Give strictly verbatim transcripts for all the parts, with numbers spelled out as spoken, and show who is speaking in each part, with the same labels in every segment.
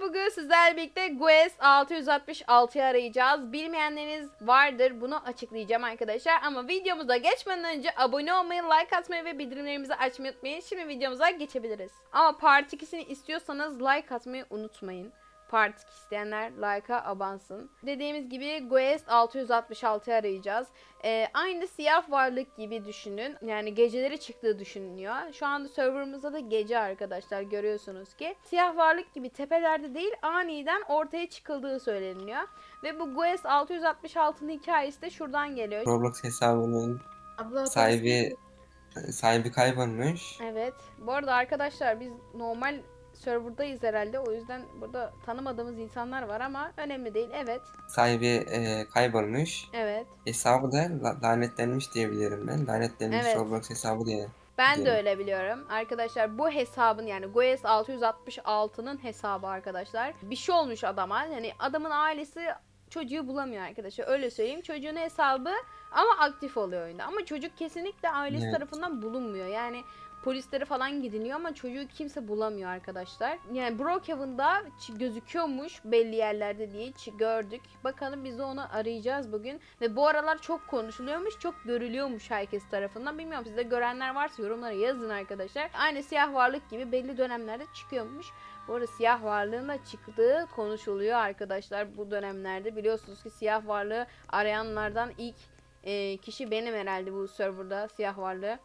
Speaker 1: bugün sizlerle birlikte Guess altı yüz altmış altıyı arayacağız. Bilmeyenleriniz vardır, bunu açıklayacağım arkadaşlar. Ama videomuza geçmeden önce abone olmayı, like atmayı ve bildirimlerimizi açmayı unutmayın. Şimdi videomuza geçebiliriz. Ama part ikisini istiyorsanız like atmayı unutmayın. Part iki isteyenler like'a abansın. Dediğimiz gibi Guess altı yüz altmış altıyı arayacağız. Ee, aynı siyah varlık gibi düşünün. Yani geceleri çıktığı düşünülüyor. Şu anda serverımızda da gece arkadaşlar, görüyorsunuz ki. Siyah varlık gibi tepelerde değil, aniden ortaya çıkıldığı söyleniyor. Ve bu Guess altı yüz altmış altının hikayesi de şuradan geliyor.
Speaker 2: Roblox hesabının
Speaker 3: Abla
Speaker 2: sahibi sahibi kaybolmuş.
Speaker 1: Evet. Bu arada arkadaşlar biz normal serverdayız herhalde. O yüzden burada tanımadığımız insanlar var ama önemli değil. Evet.
Speaker 2: Sahibi e, kaybolmuş.
Speaker 1: Evet.
Speaker 2: Hesabı da la- lanetlenmiş diyebilirim ben. Lanetlenmiş
Speaker 1: Evet.
Speaker 2: Roblox hesabı diye.
Speaker 1: Ben de
Speaker 2: diyelim.
Speaker 1: öyle biliyorum. Arkadaşlar bu hesabın, yani Guess altı yüz altmış altının hesabı arkadaşlar. Bir şey olmuş adama. Yani adamın ailesi çocuğu bulamıyor arkadaşlar. Öyle söyleyeyim. Çocuğun hesabı ama aktif oluyor oyunda. Ama çocuk kesinlikle ailesi
Speaker 2: Evet.
Speaker 1: tarafından bulunmuyor. Yani polislere falan gidiliyor ama çocuğu kimse bulamıyor arkadaşlar. Yani Brookhaven'da ç- gözüküyormuş belli yerlerde diye ç- gördük. Bakalım biz de onu arayacağız bugün. Ve bu aralar çok konuşuluyormuş, çok görülüyormuş herkes tarafından. Bilmiyorum, sizde görenler varsa yorumlara yazın arkadaşlar. Aynı siyah varlık gibi belli dönemlerde çıkıyormuş. Bu arada siyah varlığın da çıktığı konuşuluyor arkadaşlar bu dönemlerde. Biliyorsunuz ki siyah varlığı arayanlardan ilk e, kişi benim herhalde bu serverda siyah varlığı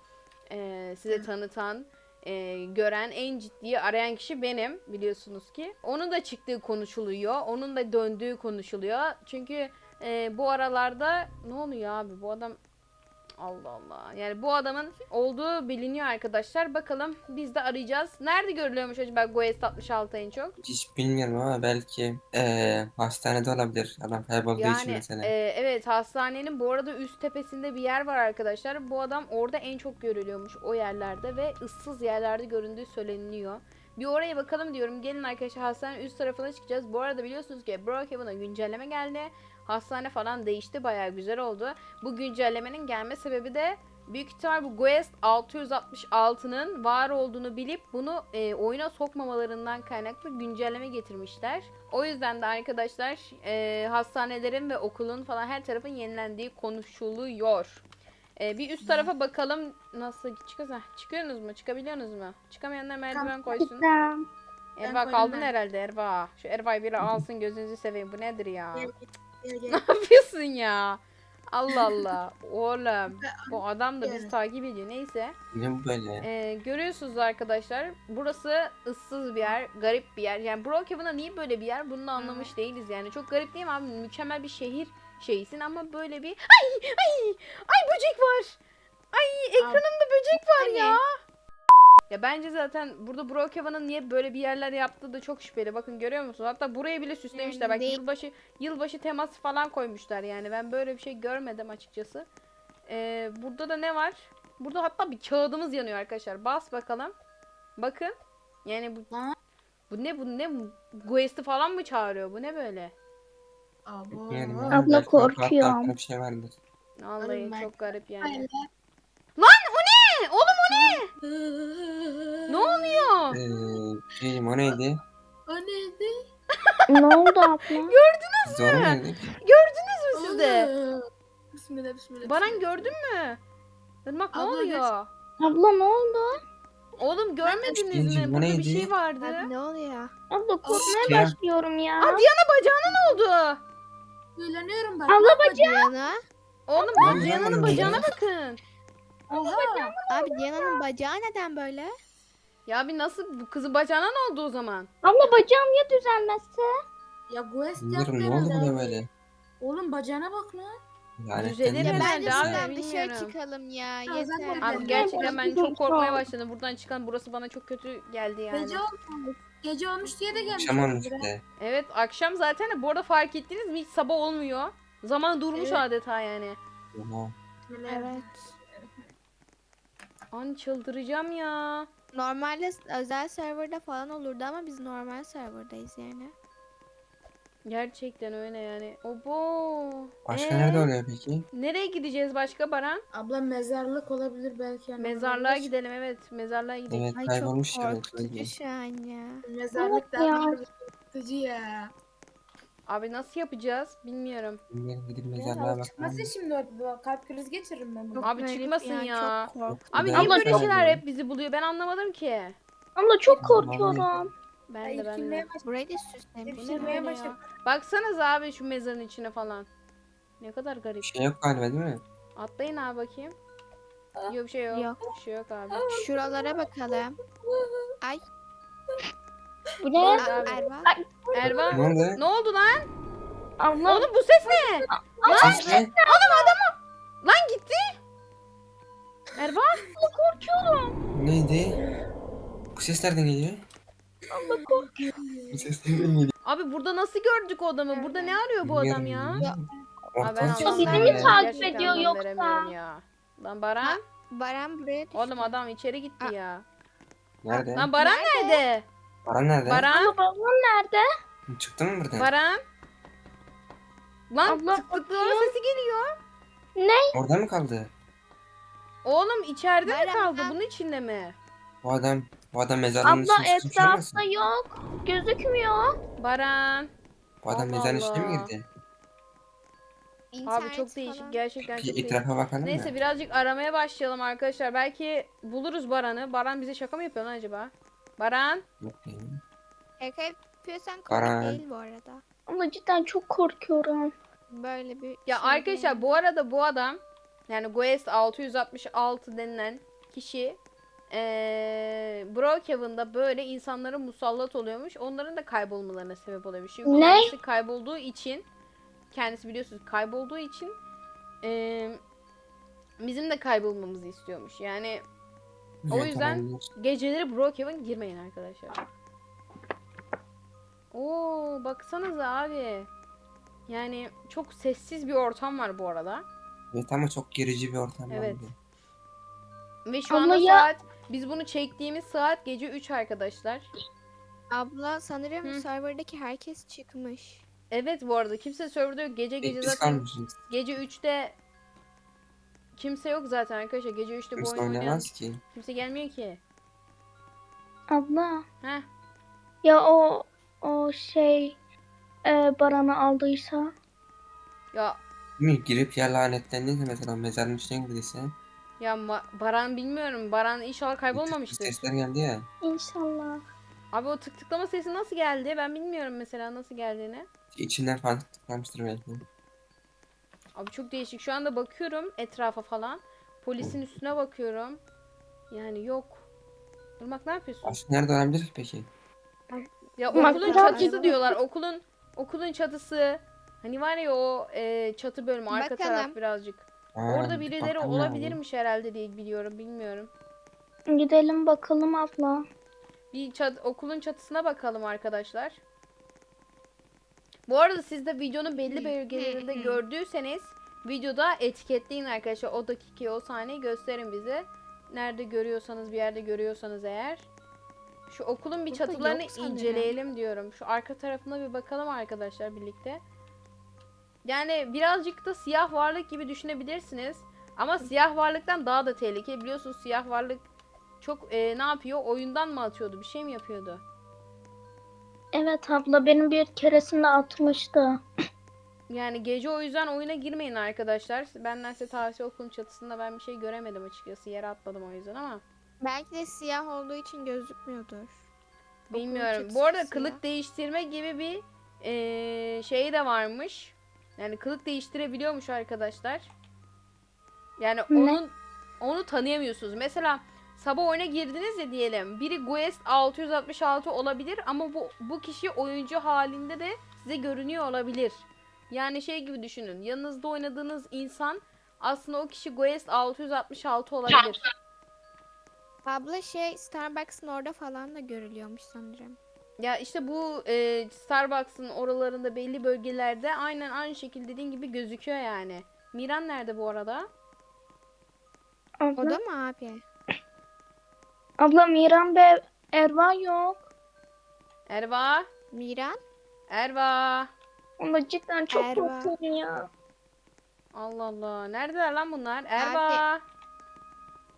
Speaker 1: e, size tanıtan, e, gören, en ciddi arayan kişi benim, biliyorsunuz ki. Onun da çıktığı konuşuluyor. Onun da döndüğü konuşuluyor. Çünkü e, bu aralarda ne oluyor abi, bu adam... Allah Allah. Yani bu adamın olduğu biliniyor arkadaşlar. Bakalım biz de arayacağız. Nerede görülüyormuş acaba Guess altmış altı en çok?
Speaker 2: Hiç bilmiyorum ama belki e, hastanede olabilir. Adam kaybolduğu için
Speaker 1: Yani
Speaker 2: mesela.
Speaker 1: e, evet, hastanenin bu arada üst tepesinde bir yer var arkadaşlar. Bu adam orada en çok görülüyormuş, o yerlerde ve ıssız yerlerde göründüğü söyleniyor. Bir oraya bakalım diyorum. Gelin arkadaşlar, hastanenin üst tarafına çıkacağız. Bu arada biliyorsunuz ki Brookhaven'a güncelleme geldi. Hastane falan değişti, bayağı güzel oldu. Bu güncellemenin gelme sebebi de büyük ihtimal bu Guess altı yüz altmış altının var olduğunu bilip bunu e, oyuna sokmamalarından kaynaklı güncelleme getirmişler. O yüzden de arkadaşlar e, hastanelerin ve okulun falan her tarafın yenilendiği konuşuluyor. E, bir üst tarafa bakalım nasıl çıkıyoruz. Heh, çıkıyorsunuz mu? Çıkabiliyorsunuz mu? Çıkamayanlar merdiven koysun.
Speaker 4: Tamam.
Speaker 1: Erva
Speaker 3: koydum
Speaker 1: kaldın
Speaker 3: ben.
Speaker 1: herhalde Erva. Şu Erva'yı biri alsın, gözünüzü seveyim. Bu nedir ya?
Speaker 3: Gel, gel, gel.
Speaker 1: Ne yapıyorsun ya? Allah Allah. Oğlum bu adam da bizi takip ediyor. Neyse.
Speaker 2: Ne bu böyle?
Speaker 1: Ee, görüyorsunuz arkadaşlar. Burası ıssız bir yer. Garip bir yer. Yani Brookhaven'a niye böyle bir yer? Bunu da anlamış değiliz yani. Çok garip değil mi abi? Mükemmel bir şehir şeysin ama böyle bir... Ay! Ay! Ay, böcek var! Ay, ekranımda böcek var ya! Ya bence zaten burada Brookhaven'ın niye böyle bir yerler yaptığı da çok şüpheli. Bakın, görüyor musunuz? Hatta burayı bile süslemişler. Bak,
Speaker 4: Değil.
Speaker 1: yılbaşı yılbaşı teması falan koymuşlar yani. Ben böyle bir şey görmedim açıkçası. Ee, burada da ne var? Burada hatta bir kağıdımız yanıyor arkadaşlar. Bas bakalım. Bakın. Yani bu
Speaker 3: Lan.
Speaker 1: bu ne bu ne Guest'i falan mı çağırıyor? Bu ne böyle?
Speaker 3: Abo.
Speaker 2: Bilmiyorum
Speaker 4: Abla
Speaker 2: ama belki arka-
Speaker 4: korkuyorum.
Speaker 2: arkada bir şey vardır.
Speaker 1: Vallahi
Speaker 3: Oğlum ben-
Speaker 1: çok garip yani.
Speaker 3: Öyle.
Speaker 1: Lan o ne? Oğlum o ne? Ne oluyor?
Speaker 2: Ee, şeyim, o neydi?
Speaker 3: O neydi?
Speaker 4: Ne oldu abla?
Speaker 2: Biz doğru mu dedik?
Speaker 1: Gördünüz mü siz de?
Speaker 3: Oğlum. Bismillah bismillah.
Speaker 1: Baran,
Speaker 3: bismillah,
Speaker 1: gördün mü? Irmak, ne
Speaker 3: Abla,
Speaker 1: oluyor?
Speaker 4: Abla ne oldu?
Speaker 1: Oğlum, görmediniz
Speaker 2: Cincim,
Speaker 1: mi?
Speaker 2: bu
Speaker 1: Burada bir
Speaker 2: neydi?
Speaker 1: şey vardı.
Speaker 5: Abi ne oluyor?
Speaker 4: Abla korkmaya
Speaker 2: Ya.
Speaker 4: başlıyorum ya.
Speaker 1: Aa, Diana bacağına ne oldu?
Speaker 3: Söyleniyorum bak.
Speaker 4: Abla
Speaker 3: bak,
Speaker 5: Diana.
Speaker 1: Oğlum,
Speaker 2: Abi,
Speaker 1: Diana'nın
Speaker 2: yapma
Speaker 1: bacağına
Speaker 2: ya.
Speaker 1: bakın.
Speaker 3: Oha.
Speaker 5: Abi Diana'nın bacağı neden böyle?
Speaker 1: Ya bir nasıl, bu kızın bacağına ne oldu o zaman?
Speaker 4: Abla bacağım ya düzelmezse?
Speaker 3: Ya Guest
Speaker 2: Bilmiyorum,
Speaker 3: yaptı
Speaker 2: ne oldu
Speaker 3: herhalde.
Speaker 2: buna böyle?
Speaker 3: Oğlum bacağına bak lan.
Speaker 1: Düzelir
Speaker 5: Ya
Speaker 2: Lanetlenmiş
Speaker 1: herhalde
Speaker 5: bence
Speaker 1: abi,
Speaker 5: buradan dışarı
Speaker 1: bilmiyorum.
Speaker 5: çıkalım ya.
Speaker 3: Ya
Speaker 5: Yeter.
Speaker 3: zaten-
Speaker 1: Abi
Speaker 3: Ben-
Speaker 1: gerçekten ben
Speaker 4: Ben-
Speaker 1: çok korkmaya başladım. Buradan çıkan, burası bana çok kötü geldi yani.
Speaker 3: Gece olmuş. Gece olmuş diye de gelmiş.
Speaker 2: Akşam olmuş
Speaker 3: olabilir ha.
Speaker 2: bir de.
Speaker 1: Evet, akşam zaten de bu arada fark ettiniz mi, hiç sabah olmuyor. Zaman durmuş
Speaker 3: Evet.
Speaker 1: adeta yani.
Speaker 2: Oha.
Speaker 5: Evet.
Speaker 1: An çıldıracağım ya.
Speaker 5: Normalde özel serverda falan olurdu ama biz normal serverdayız yani.
Speaker 1: Gerçekten öyle yani. Obo.
Speaker 2: Başka
Speaker 1: Ee,
Speaker 2: nerede oluyor peki?
Speaker 1: Nereye gideceğiz başka Baran?
Speaker 3: Abla mezarlık olabilir belki. yani
Speaker 1: Mezarlığa
Speaker 3: olabilir.
Speaker 1: gidelim, evet. Mezarlığa gidelim.
Speaker 2: Evet,
Speaker 5: Ay
Speaker 2: kaybolmuş
Speaker 5: çok
Speaker 2: ya.
Speaker 5: korkutucu şu an ya.
Speaker 3: Mezarlık
Speaker 4: Evet ya.
Speaker 3: daha korkutucu ya.
Speaker 1: Abi nasıl yapacağız bilmiyorum.
Speaker 2: Bilmiyorum, gidip
Speaker 3: Ya,
Speaker 2: mezarlığa bakalım.
Speaker 3: çıkmasın şimdi orada. Kalp krizi geçiririm ben bunu.
Speaker 5: Çok
Speaker 1: Abi
Speaker 5: garip
Speaker 1: çıkmasın ya.
Speaker 5: Çok korktum.
Speaker 1: Abi
Speaker 2: Bir
Speaker 1: niye
Speaker 2: daha
Speaker 1: böyle
Speaker 2: bakalım
Speaker 1: şeyler
Speaker 2: ya.
Speaker 1: hep bizi buluyor ben anlamadım ki.
Speaker 4: Abla çok
Speaker 2: Vallahi.
Speaker 4: korkuyorum.
Speaker 1: Ben
Speaker 3: Ay,
Speaker 1: de ben de.
Speaker 3: irkilmeye başladım.
Speaker 5: Burayı da süslemiş.
Speaker 1: Bu ne
Speaker 3: Irkilmeye
Speaker 1: böyle
Speaker 3: başladım.
Speaker 1: ya? Baksanıza abi şu mezarın içine falan. Ne kadar garip.
Speaker 2: Bir şey yok galiba değil mi?
Speaker 1: Atlayın abi bakayım. Yok bir şey yok.
Speaker 5: Yok.
Speaker 1: Bir şey yok abi.
Speaker 5: Şuralara bakalım. Ay.
Speaker 4: Bu ne?
Speaker 1: Nerede abi?
Speaker 5: Erva.
Speaker 1: Ervan.
Speaker 2: Ne oldu?
Speaker 1: Ne oldu lan?
Speaker 4: Abla
Speaker 1: Oğlum bu ses ne?
Speaker 2: Ses ne?
Speaker 1: Lan gitti. Ervan.
Speaker 2: Neydi? Bu ses nereden geliyor?
Speaker 4: abla korkuyorum.
Speaker 2: Bu ses nereden geliyor?
Speaker 1: Abi burada nasıl gördük o adamı? Burada ne arıyor bu adam ya?
Speaker 2: Bilmiyorum.
Speaker 1: Abi ben
Speaker 2: Ortalık
Speaker 1: anlam
Speaker 2: çok
Speaker 4: bizi mi
Speaker 1: veremiyorum.
Speaker 2: sarıyor.
Speaker 4: takip
Speaker 1: Gerçekten
Speaker 4: ediyor
Speaker 1: anlam
Speaker 4: yoksa?
Speaker 1: veremiyorum ya. Lan Baran.
Speaker 5: Baran buraya düştü.
Speaker 1: Oğlum adam içeri gitti
Speaker 5: Aa.
Speaker 1: ya.
Speaker 2: Nerede?
Speaker 1: Lan Baran nerede?
Speaker 2: Baran nerede?
Speaker 1: Baran.
Speaker 4: Abla babam nerede?
Speaker 2: Çıktı mı buradan?
Speaker 1: Baran. Lan
Speaker 4: Abla,
Speaker 1: tık tıklama sesi geliyor.
Speaker 2: Orada mı kaldı?
Speaker 1: Oğlum içeride mi
Speaker 5: Baran.
Speaker 1: kaldı? Bunun içinde mi?
Speaker 2: Bu adam, bu adam mezarlığın
Speaker 4: Abla
Speaker 2: içine sıkışmış olmasın?
Speaker 4: etrafta yok. Gözükmüyor.
Speaker 1: Baran.
Speaker 2: Bu adam
Speaker 1: Allah
Speaker 2: mezarın içine mi
Speaker 1: Allah.
Speaker 2: girdi?
Speaker 1: Abi
Speaker 5: İnternet
Speaker 1: çok değişik.
Speaker 5: falan.
Speaker 1: Gerçekten çok
Speaker 2: Bir
Speaker 1: değişik.
Speaker 2: etrafa bakalım
Speaker 1: Neyse
Speaker 2: mı?
Speaker 1: birazcık aramaya başlayalım arkadaşlar. Belki buluruz Baran'ı. Baran bize şaka mı yapıyor lan acaba? Baran.
Speaker 2: Yok değil.
Speaker 5: Şaka yapıyorsan komik
Speaker 2: Baran.
Speaker 5: değil bu arada.
Speaker 4: Ama cidden çok korkuyorum.
Speaker 5: Böyle bir
Speaker 1: Ya
Speaker 5: şey
Speaker 1: arkadaşlar
Speaker 5: değil.
Speaker 1: bu arada bu adam yani Guest altı yüz altmış altı denilen kişi eee Brookhaven'da böyle insanlara musallat oluyormuş. Onların da kaybolmalarına sebep oluyormuş. Çünkü
Speaker 4: Ne?
Speaker 1: kendisi kaybolduğu için kendisi biliyorsunuz kaybolduğu için eee, bizim de kaybolmamızı istiyormuş. Yani O
Speaker 2: Evet,
Speaker 1: yüzden-
Speaker 2: olabilir.
Speaker 1: geceleri Brookhaven girmeyin arkadaşlar. Oo baksanıza abi. Yani çok sessiz bir ortam var bu arada.
Speaker 2: Evet ama çok gerici bir ortam.
Speaker 1: Evet.
Speaker 2: bence.
Speaker 1: Ve şu
Speaker 4: Ama
Speaker 1: anda
Speaker 4: ya-
Speaker 1: saat biz bunu çektiğimiz saat gece üç arkadaşlar.
Speaker 5: Abla sanırım
Speaker 1: Hı.
Speaker 5: serverdaki herkes çıkmış.
Speaker 1: Evet bu arada kimse serverda yok. Gece
Speaker 2: Tek
Speaker 1: gece
Speaker 2: biz
Speaker 1: zaten
Speaker 2: kalmışız.
Speaker 1: gece üçte kimse yok zaten arkadaşlar. Gece üçte bu
Speaker 2: Kimse
Speaker 1: oyun oynayan
Speaker 2: oynamaz ki.
Speaker 1: kimse gelmiyor ki.
Speaker 4: Abla.
Speaker 1: Heh.
Speaker 4: Ya o o şey e, Baran'ı aldıysa.
Speaker 1: Ya
Speaker 2: Değil mi? Girip ya lanetlendiyse mesela mezarın içine girdiyse.
Speaker 1: ya Ma- Baran bilmiyorum. Baran inşallah kaybolmamıştır.
Speaker 2: Sesler geldi ya.
Speaker 4: İnşallah.
Speaker 1: Abi o tık tıklama sesi nasıl geldi? Ben bilmiyorum mesela nasıl geldiğini.
Speaker 2: İçinden falan tıklamıştır belki.
Speaker 1: Abi çok değişik. Şu anda bakıyorum etrafa falan. Polisin üstüne bakıyorum. Yani yok. Irmak ne yapıyorsun?
Speaker 2: Aşk nerede olabilir ki peki?
Speaker 1: Ya
Speaker 4: Bak,
Speaker 1: okulun
Speaker 4: biraz-
Speaker 1: çatısı diyorlar. Okulun okulun çatısı. Hani var ya o e, çatı bölümü arka
Speaker 5: Bakalım.
Speaker 1: taraf birazcık.
Speaker 2: Ha,
Speaker 1: Orada birileri
Speaker 2: bakalım
Speaker 1: olabilirmiş herhalde diye biliyorum. Bilmiyorum.
Speaker 4: Gidelim bakalım abla.
Speaker 1: Bir çat okulun çatısına bakalım arkadaşlar. Bu arada siz de videonun belli bölgelerinde gördüyseniz videoda etiketleyin arkadaşlar. O dakikayı, o sahneyi gösterin bize. Nerede görüyorsanız, bir yerde görüyorsanız eğer. Şu okulun bir
Speaker 5: Burada
Speaker 1: çatılarını
Speaker 5: yok sanırım.
Speaker 1: inceleyelim diyorum. Şu arka tarafına bir bakalım arkadaşlar birlikte. Yani birazcık da siyah varlık gibi düşünebilirsiniz. Ama siyah varlıktan daha da tehlikeli. Biliyorsunuz siyah varlık çok e, ne yapıyor? Oyundan mı atıyordu? Bir şey mi yapıyordu?
Speaker 4: Evet abla benim bir keresinde atmıştı.
Speaker 1: Yani gece o yüzden oyuna girmeyin arkadaşlar. Benden size tavsiye okulun çatısında ben bir şey göremedim açıkçası. Yere atladım o yüzden ama.
Speaker 5: Belki de siyah olduğu için gözükmüyordur. Okulun
Speaker 1: Bilmiyorum.
Speaker 5: çatısı
Speaker 1: Bu arada
Speaker 5: siyah.
Speaker 1: kılık değiştirme gibi bir eee şey de varmış. Yani kılık değiştirebiliyormuş arkadaşlar. Yani
Speaker 4: Ne?
Speaker 1: onun onu tanıyamıyorsunuz. Mesela sabah oyuna girdiniz ya diyelim. Biri Guest altı yüz altmış altı olabilir ama bu bu kişi oyuncu halinde de size görünüyor olabilir. Yani şey gibi düşünün. Yanınızda oynadığınız insan aslında o kişi Guest altı yüz altmış altı olabilir.
Speaker 5: Abla şey Starbucks'ın orada falan da görülüyormuş sanırım.
Speaker 1: Ya işte bu e, Starbucks'ın oralarında belli bölgelerde aynen aynı şekilde dediğin gibi gözüküyor yani. Miran nerede bu arada?
Speaker 5: O
Speaker 4: Abla,
Speaker 5: da mı abi?
Speaker 4: abla Miran ve Erva yok.
Speaker 1: Erva?
Speaker 5: Miran?
Speaker 1: Erva?
Speaker 4: Ama cidden çok
Speaker 5: Erva.
Speaker 4: korkuyorum ya.
Speaker 1: Allah Allah. Neredeler lan bunlar? Erva?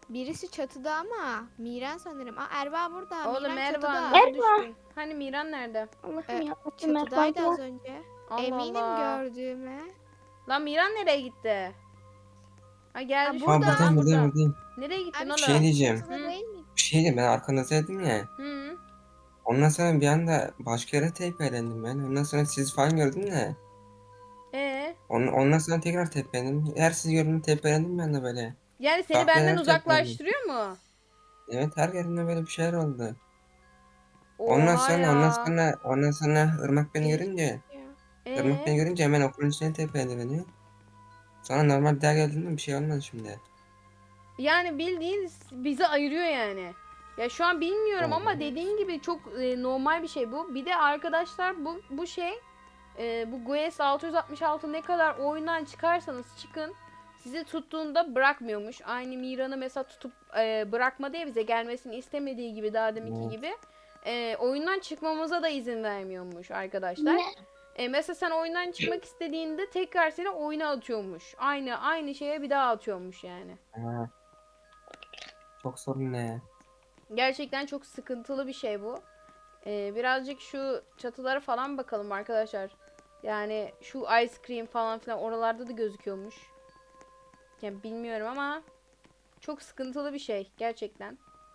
Speaker 5: Birisi çatıda ama Miran sanırım. Aa, Erva burada.
Speaker 1: Oğlum
Speaker 5: Miran
Speaker 1: Erva
Speaker 5: çatıda.
Speaker 1: nasıl düştün? Hani Miran nerede?
Speaker 4: Allah'ım
Speaker 5: Ee,
Speaker 4: ya. Rabbim Erva
Speaker 5: Çatıdaydı az
Speaker 4: yok.
Speaker 5: önce.
Speaker 1: Allah
Speaker 5: Eminim
Speaker 1: Allah.
Speaker 5: gördüğüme.
Speaker 1: Lan Miran nereye gitti? Ha geldi
Speaker 5: Ha,
Speaker 1: şu
Speaker 5: burada.
Speaker 2: Aa,
Speaker 1: an,
Speaker 2: buradayım
Speaker 1: burada.
Speaker 2: buradayım buradayım.
Speaker 1: Nereye gittin
Speaker 5: Abi
Speaker 2: Bir
Speaker 1: oğlum?
Speaker 2: şey diyeceğim.
Speaker 5: çatıda
Speaker 1: Hı.
Speaker 5: değil mi?
Speaker 2: Bir şey diyeyim, ben arkanızdaydım ya.
Speaker 1: Hı.
Speaker 2: Ondan sonra bir anda başka yere tepelendim ben. Ondan sonra sizi falan gördüm de.
Speaker 1: Ee?
Speaker 2: On, ondan sonra tekrar tepelendim. Her sizi gördüğümde tepelendim ben de böyle.
Speaker 1: Yani seni
Speaker 2: Farklı
Speaker 1: benden
Speaker 2: yerlere
Speaker 1: uzaklaştırıyor mu?
Speaker 2: Evet, her yerinde böyle bir şeyler oldu. Ondan
Speaker 1: Oha
Speaker 2: sonra ondan
Speaker 1: ya.
Speaker 2: sonra ondan sonra Irmak beni
Speaker 5: Değişik
Speaker 2: görünce
Speaker 5: ya.
Speaker 2: Irmak beni
Speaker 1: Ee?
Speaker 2: görünce hemen okulun içine tepeledi beni. Sonra normal bir daha geldiğinde bir şey olmadı şimdi.
Speaker 1: Yani bildiğin bizi ayırıyor yani. Ya şu an bilmiyorum ama
Speaker 2: Evet.
Speaker 1: dediğin gibi çok e, normal bir şey bu. Bir de arkadaşlar bu bu şey e, bu G U E S altı yüz altmış altı ne kadar oyundan çıkarsanız çıkın sizi tuttuğunda bırakmıyormuş. Aynı Miran'ı mesela tutup e, bırakmadı ya bize gelmesini istemediği gibi daha deminki
Speaker 2: Evet.
Speaker 1: gibi. E, oyundan çıkmamıza da izin vermiyormuş arkadaşlar.
Speaker 4: Ne?
Speaker 1: E, mesela sen oyundan çıkmak istediğinde tekrar seni oyuna atıyormuş. Aynı aynı şeye bir daha atıyormuş yani.
Speaker 2: Aa, çok sorun ne?
Speaker 1: Gerçekten çok sıkıntılı bir şey bu. Ee, birazcık şu çatılara falan bakalım arkadaşlar. Yani şu ice cream falan filan oralarda da gözüküyormuş. Yani bilmiyorum ama çok sıkıntılı bir şey gerçekten.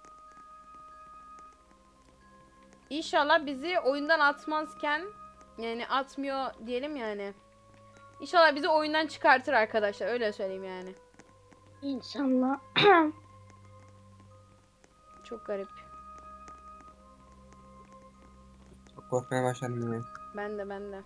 Speaker 1: İnşallah bizi oyundan atmazken yani atmıyor diyelim yani. İnşallah bizi oyundan çıkartır arkadaşlar öyle söyleyeyim yani.
Speaker 4: İnşallah.
Speaker 1: Çok garip.
Speaker 2: Çok korkmaya başladım ben.
Speaker 1: Ben de ben de.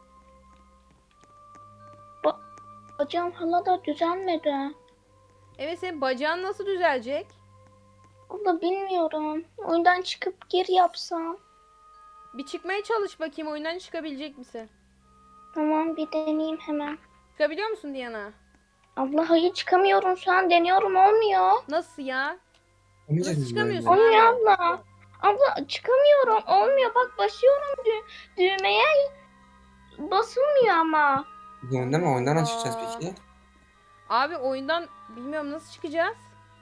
Speaker 4: Hocam hala da düzelmedi.
Speaker 1: Evet senin bacağın nasıl düzelecek?
Speaker 4: Abla bilmiyorum. Oyundan çıkıp geri yapsam.
Speaker 1: Bir çıkmaya çalış bakayım oyundan çıkabilecek misin?
Speaker 4: Tamam bir deneyeyim hemen.
Speaker 1: Çıkabiliyor musun Diana?
Speaker 4: Abla hayır çıkamıyorum şu an deniyorum olmuyor.
Speaker 1: Nasıl ya?
Speaker 2: Olmayacak
Speaker 1: Nasıl
Speaker 2: mı
Speaker 1: çıkamıyorsun?
Speaker 2: böyle?
Speaker 4: Olmuyor
Speaker 1: abi?
Speaker 4: abla. Abla çıkamıyorum olmuyor bak basıyorum dü düğmeye basılmıyor ama.
Speaker 2: Oyunda mı?
Speaker 1: Allah
Speaker 2: Oyundan
Speaker 1: Allah.
Speaker 2: nasıl çıkacağız peki?
Speaker 1: Abi oyundan bilmiyorum nasıl çıkacağız?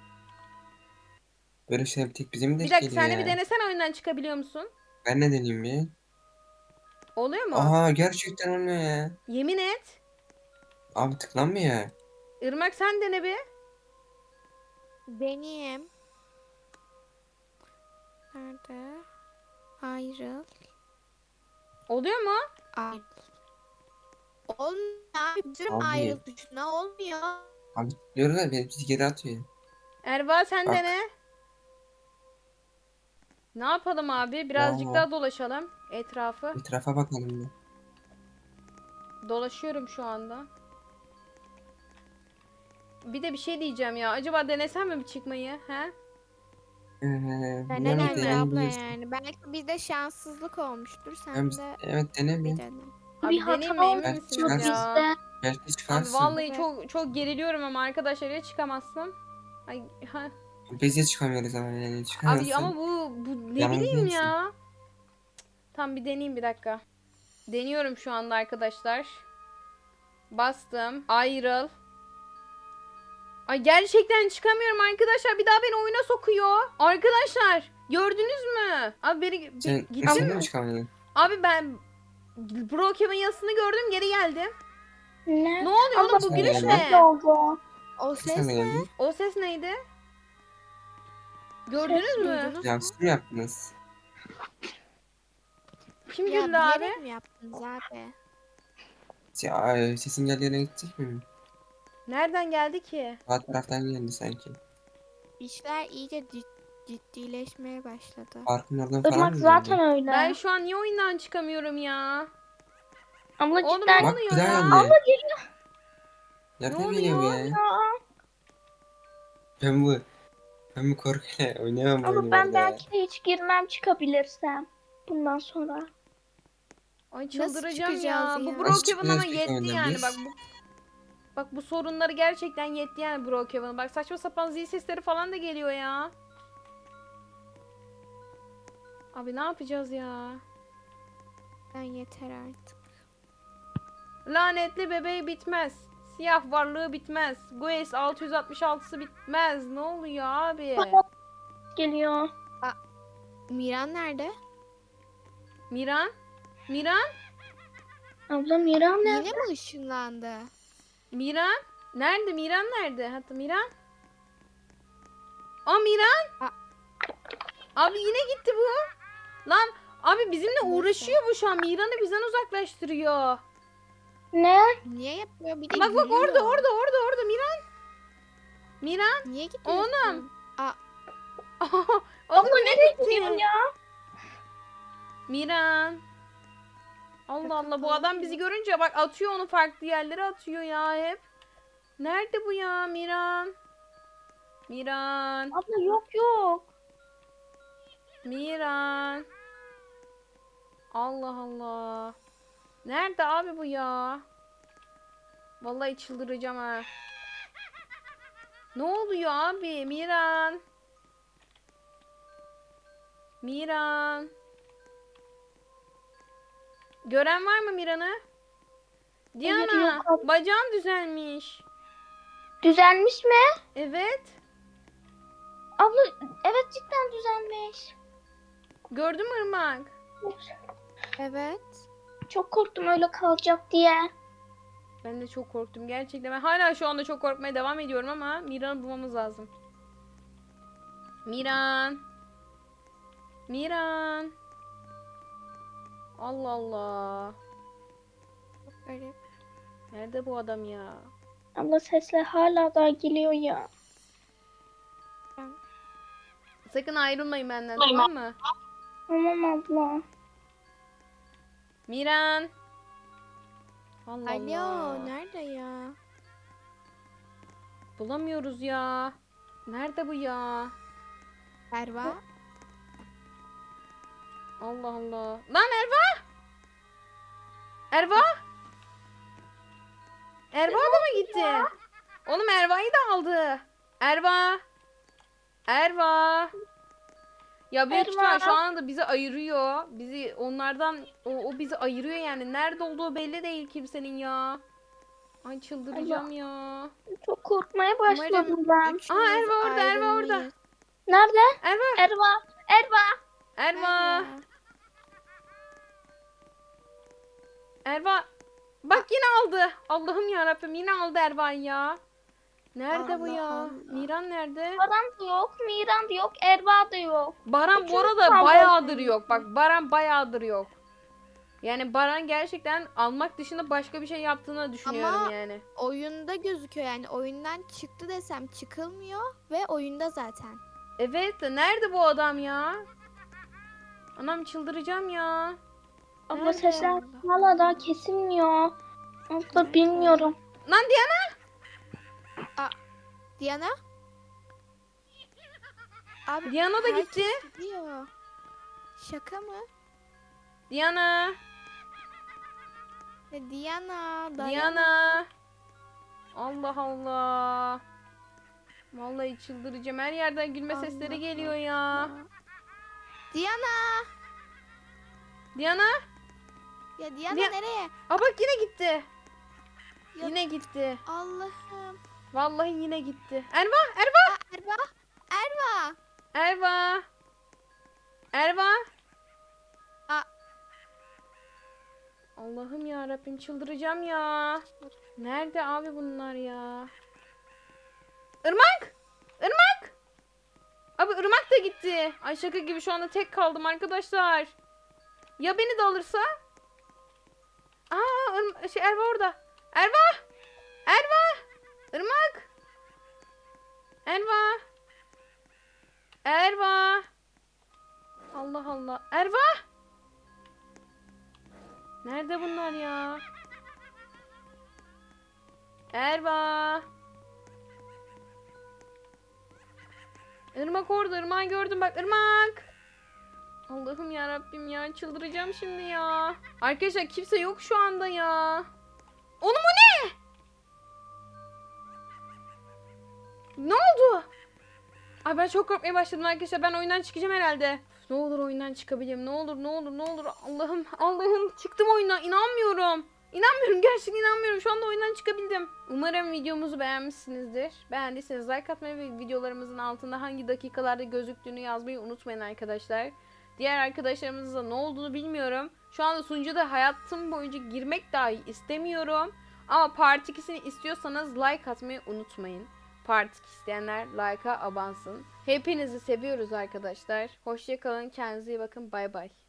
Speaker 2: Böyle şey bir tek bize mi
Speaker 1: Bir
Speaker 2: denk
Speaker 1: dakika
Speaker 2: geliyor
Speaker 1: sen de bir
Speaker 2: ya?
Speaker 1: denesene oyundan çıkabiliyor musun?
Speaker 2: Ben ne deneyeyim bir?
Speaker 1: Oluyor mu?
Speaker 2: Aha, gerçekten olmuyor ya.
Speaker 1: Yemin et.
Speaker 2: Abi tıklanmıyor.
Speaker 1: Irmak sen dene bir.
Speaker 5: Deneyim. Nerede? Ayrıl.
Speaker 1: Oluyor mu?
Speaker 5: Ayrıl. Olmuyor abi. Diyorum
Speaker 2: Abi.
Speaker 5: ayrıl tuşuna olmuyor.
Speaker 2: Abi tıklıyoruz da beni bizi geri atıyor.
Speaker 1: Erva sen
Speaker 2: Bak.
Speaker 1: dene. Ne yapalım abi? Birazcık
Speaker 2: Ya.
Speaker 1: daha dolaşalım etrafı.
Speaker 2: Etrafa bakalım bir.
Speaker 1: Dolaşıyorum şu anda. Bir de bir şey diyeceğim ya. Acaba denesem mi bir çıkmayı? He?
Speaker 2: Ee,
Speaker 5: Dene
Speaker 2: yani
Speaker 1: Deneyeyim mi?
Speaker 5: bence abla
Speaker 2: deneyebilirsin.
Speaker 5: yani. Belki bizde şanssızlık olmuştur.
Speaker 2: Ben
Speaker 5: Sen
Speaker 2: biz-
Speaker 5: de
Speaker 2: evet dene
Speaker 5: bir
Speaker 2: bir.
Speaker 5: dene.
Speaker 1: Abi
Speaker 4: Bir hata
Speaker 1: deneyeyim mi? Emin
Speaker 2: Belki
Speaker 1: misiniz
Speaker 2: çıkarsın.
Speaker 1: ya?
Speaker 4: bizde.
Speaker 2: Belki
Speaker 1: Abi
Speaker 2: çıkarsın.
Speaker 1: vallahi
Speaker 5: Evet.
Speaker 1: çok çok geriliyorum ama arkadaşlar ya çıkamazsam. Ay ha.
Speaker 2: Biz de çıkamıyoruz ama yani
Speaker 1: Abi
Speaker 2: çıkamazsın.
Speaker 1: ama bu bu ne
Speaker 2: Yalnız
Speaker 1: bileyim
Speaker 2: değilsin.
Speaker 1: ya. Tam bir deneyeyim bir dakika. Deniyorum şu anda arkadaşlar. Bastım. Ayrıl. Ay gerçekten çıkamıyorum arkadaşlar. Bir daha beni oyuna sokuyor. Arkadaşlar gördünüz mü? Abi beni
Speaker 2: Sen,
Speaker 1: bir-
Speaker 2: sen
Speaker 1: gittim
Speaker 2: de
Speaker 1: mi?
Speaker 2: mi çıkamadın?
Speaker 1: Abi ben Brokeman yazısını gördüm geri geldim.
Speaker 4: Ne?
Speaker 1: Ne oluyor oğlum bu
Speaker 2: Abla,
Speaker 1: gülüş
Speaker 2: sen
Speaker 1: ne?
Speaker 4: Ne oldu?
Speaker 5: O
Speaker 2: Sen
Speaker 5: ses
Speaker 2: de
Speaker 5: ne?
Speaker 2: geldin.
Speaker 1: O ses neydi? Gördünüz
Speaker 4: Ses
Speaker 1: mü?
Speaker 5: Duydunuz
Speaker 2: Ya
Speaker 5: mu?
Speaker 2: siz mi yaptınız?
Speaker 1: Kim
Speaker 5: Ya
Speaker 1: güldü abi?
Speaker 5: bilerek mi yaptınız abi?
Speaker 2: Ya, e, sesin geldiği yere gidecek mi?
Speaker 1: Nereden geldi ki?
Speaker 2: Sağ taraftan geldi sanki.
Speaker 5: İşler iyice cid- ciddileşmeye başladı.
Speaker 2: Parkın oradan falan
Speaker 4: Irmak
Speaker 2: mı
Speaker 4: zaten
Speaker 2: geldi?
Speaker 4: öyle.
Speaker 1: Ben şu an niye oyundan çıkamıyorum ya?
Speaker 4: Abla
Speaker 1: Oğlum
Speaker 4: cidden.
Speaker 1: ne
Speaker 2: Bak
Speaker 1: oluyor
Speaker 2: bir daha
Speaker 1: ya?
Speaker 2: geldi.
Speaker 4: Abla geliyor.
Speaker 2: Nereden
Speaker 1: Ne
Speaker 2: geliyor bu
Speaker 1: oluyor
Speaker 2: ya?
Speaker 4: Ya.
Speaker 2: Ben bu ben bu korkuyla oynayamam bu oyunu
Speaker 4: Ama
Speaker 2: bu
Speaker 4: ben
Speaker 2: arada ya.
Speaker 4: belki de hiç girmem çıkabilirsem. Bundan sonra.
Speaker 1: Ay
Speaker 5: Nasıl
Speaker 1: çıldıracağım ya.
Speaker 5: çıkacağız
Speaker 1: Bu
Speaker 5: ya?
Speaker 1: Brokeman
Speaker 2: çıkacağız
Speaker 1: ama
Speaker 2: peki
Speaker 1: yetti
Speaker 2: oyundan
Speaker 1: yani
Speaker 2: biz?
Speaker 1: bak bu. Bak bu sorunları gerçekten yetti yani Brokeman'ın. Bak saçma sapan zil sesleri falan da geliyor ya. Abi ne yapacağız ya?
Speaker 5: Ben yeter artık.
Speaker 1: Lanetli bebeği bitmez. Siyah varlığı bitmez. Guess altı yüz altmış altısı bitmez. Ne oluyor abi?
Speaker 4: Geliyor.
Speaker 5: Miran nerede?
Speaker 1: Miran? Miran?
Speaker 4: Abla Miran ne?
Speaker 5: Yine mi ışınlandı?
Speaker 1: Miran? Nerede? Miran nerede? Hatta Miran? Aa Miran?
Speaker 5: Aa.
Speaker 1: Abi yine gitti bu. Lan abi bizimle
Speaker 5: Neyse.
Speaker 1: uğraşıyor bu şu an. Miran'ı bizden uzaklaştırıyor.
Speaker 4: Ne?
Speaker 5: Niye yapıyor? Bir de
Speaker 1: Bak bak
Speaker 5: gülüyor.
Speaker 1: orada orada orada orada Miran. Miran.
Speaker 5: Niye gidiyorsun?
Speaker 1: Oğlum.
Speaker 5: Aa,
Speaker 1: Abla
Speaker 4: nereye gidiyorsun ya?
Speaker 1: Miran. Allah Allah bu adam bizi görünce bak atıyor onu farklı yerlere atıyor ya hep. Nerede bu ya Miran? Miran.
Speaker 4: Abla yok yok.
Speaker 1: Miran. Allah Allah. Nerede abi bu ya? Vallahi çıldıracağım ha. Ne oluyor abi? Miran. Miran. Gören var mı Miran'ı? Diana,
Speaker 4: yok abi.
Speaker 1: bacağın düzelmiş.
Speaker 4: Düzelmiş mi?
Speaker 1: Evet.
Speaker 4: Abla evet cidden düzelmiş.
Speaker 1: Gördün mü Irmak?
Speaker 5: evet.
Speaker 4: Çok korktum öyle kalacak diye.
Speaker 1: Ben de çok korktum gerçekten. Ben hala şu anda çok korkmaya devam ediyorum ama Miran'ı bulmamız lazım. Miran. Miran. Allah Allah.
Speaker 5: Çok garip.
Speaker 1: Nerede bu adam ya?
Speaker 4: Abla sesler hala daha geliyor ya.
Speaker 1: Sakın ayrılmayın benden tamam mı?
Speaker 4: Tamam abla.
Speaker 1: Miran. Allah
Speaker 5: Alo,
Speaker 1: Allah.
Speaker 5: nerede ya?
Speaker 1: Bulamıyoruz ya. Nerede bu ya?
Speaker 5: Erva?
Speaker 1: Allah Allah. Lan Erva! Erva! Erva da mı gitti? Oğlum Erva'yı da aldı. Erva! Erva! Ya büyük
Speaker 4: Erva!
Speaker 1: ihtimal şu anda bizi ayırıyor. Bizi onlardan o, o bizi ayırıyor yani. Nerede olduğu belli değil kimsenin ya. Ay çıldıracağım ya.
Speaker 4: Çok korkmaya başladım ben.
Speaker 5: üçümüz
Speaker 1: Aa, Erva orada, Erva orada.
Speaker 5: ayrılmayız.
Speaker 4: Nerede?
Speaker 1: Erva!
Speaker 4: Erva. Erva.
Speaker 1: Erva! Erva! Bak yine aldı. Allah'ım ya Rabbim yine aldı Erva'yı ya. Nerede bu
Speaker 5: Allah
Speaker 1: ya?
Speaker 5: Allah.
Speaker 1: Miran nerede?
Speaker 4: Baran da yok. Miran da yok. Erva da yok.
Speaker 1: Baran bu
Speaker 4: Üçümüz
Speaker 1: arada
Speaker 4: kaldı.
Speaker 1: bayağıdır yok. Bak Baran bayağıdır yok. Yani Baran gerçekten almak dışında başka bir şey yaptığını düşünüyorum
Speaker 5: Ama-
Speaker 1: yani.
Speaker 5: Oyunda gözüküyor yani. Oyundan çıktı desem çıkılmıyor ve oyunda zaten.
Speaker 1: Evet de nerede bu adam ya? Anam çıldıracağım ya.
Speaker 4: Abla
Speaker 1: Nerede?
Speaker 4: sesler hala daha kesilmiyor. Abla bilmiyorum.
Speaker 1: Lan Diana!
Speaker 5: Diana? Abi
Speaker 1: Diana da
Speaker 5: herkes
Speaker 1: gitti.
Speaker 5: gidiyor. Şaka mı?
Speaker 1: Diana!
Speaker 5: Ya Diana, Diana.
Speaker 1: Diana! Allah Allah. Vallahi çıldıracağım. Her yerden gülme sesleri
Speaker 5: Allah
Speaker 1: geliyor ya.
Speaker 5: Diana.
Speaker 1: Diana!
Speaker 5: Ya Diana
Speaker 1: Dia-
Speaker 5: nereye?
Speaker 1: Aa bak yine gitti.
Speaker 5: Ya-
Speaker 1: Yine gitti.
Speaker 5: Allah'ım.
Speaker 1: Vallahi yine gitti. Erva! Erva!
Speaker 5: Aa, Erva. Erva.
Speaker 1: Erva! Erva!
Speaker 5: Aa.
Speaker 1: Allah'ım ya Rabbim çıldıracağım ya. Nerede abi bunlar ya? Irmak! Irmak! Abi Irmak da gitti. Ay şaka gibi şu anda tek kaldım arkadaşlar. Ya beni de alırsa? Aa, Irm- şey Erva orada. Erva! Erva! Irmak! Erva! Erva! Allah Allah. Erva! Nerede bunlar ya? Erva! Irmak orada. Irmak'ı gördüm bak. Irmak! Allah'ım ya Rabbim ya. Çıldıracağım şimdi ya. Arkadaşlar kimse yok şu anda ya. Oğlum o ne? Ne oldu? Ay ben çok korkmaya başladım arkadaşlar. Ben oyundan çıkacağım herhalde. Ne olur oyundan çıkabilirim. Ne olur ne olur ne olur. Allah'ım Allah'ım çıktım oyundan. İnanmıyorum. İnanmıyorum, gerçekten inanmıyorum. Şu anda oyundan çıkabildim. Umarım videomuzu beğenmişsinizdir. Beğendiyseniz like atmayı ve videolarımızın altında hangi dakikalarda gözüktüğünü yazmayı unutmayın arkadaşlar. Diğer arkadaşlarımızla ne olduğunu bilmiyorum. Şu anda sunucuda hayatım boyunca girmek dahi istemiyorum. Ama Part ikisini istiyorsanız like atmayı unutmayın. Part iki isteyenler like'a abansın. Hepinizi seviyoruz arkadaşlar. Hoşça kalın, kendinize iyi bakın. Bay bay.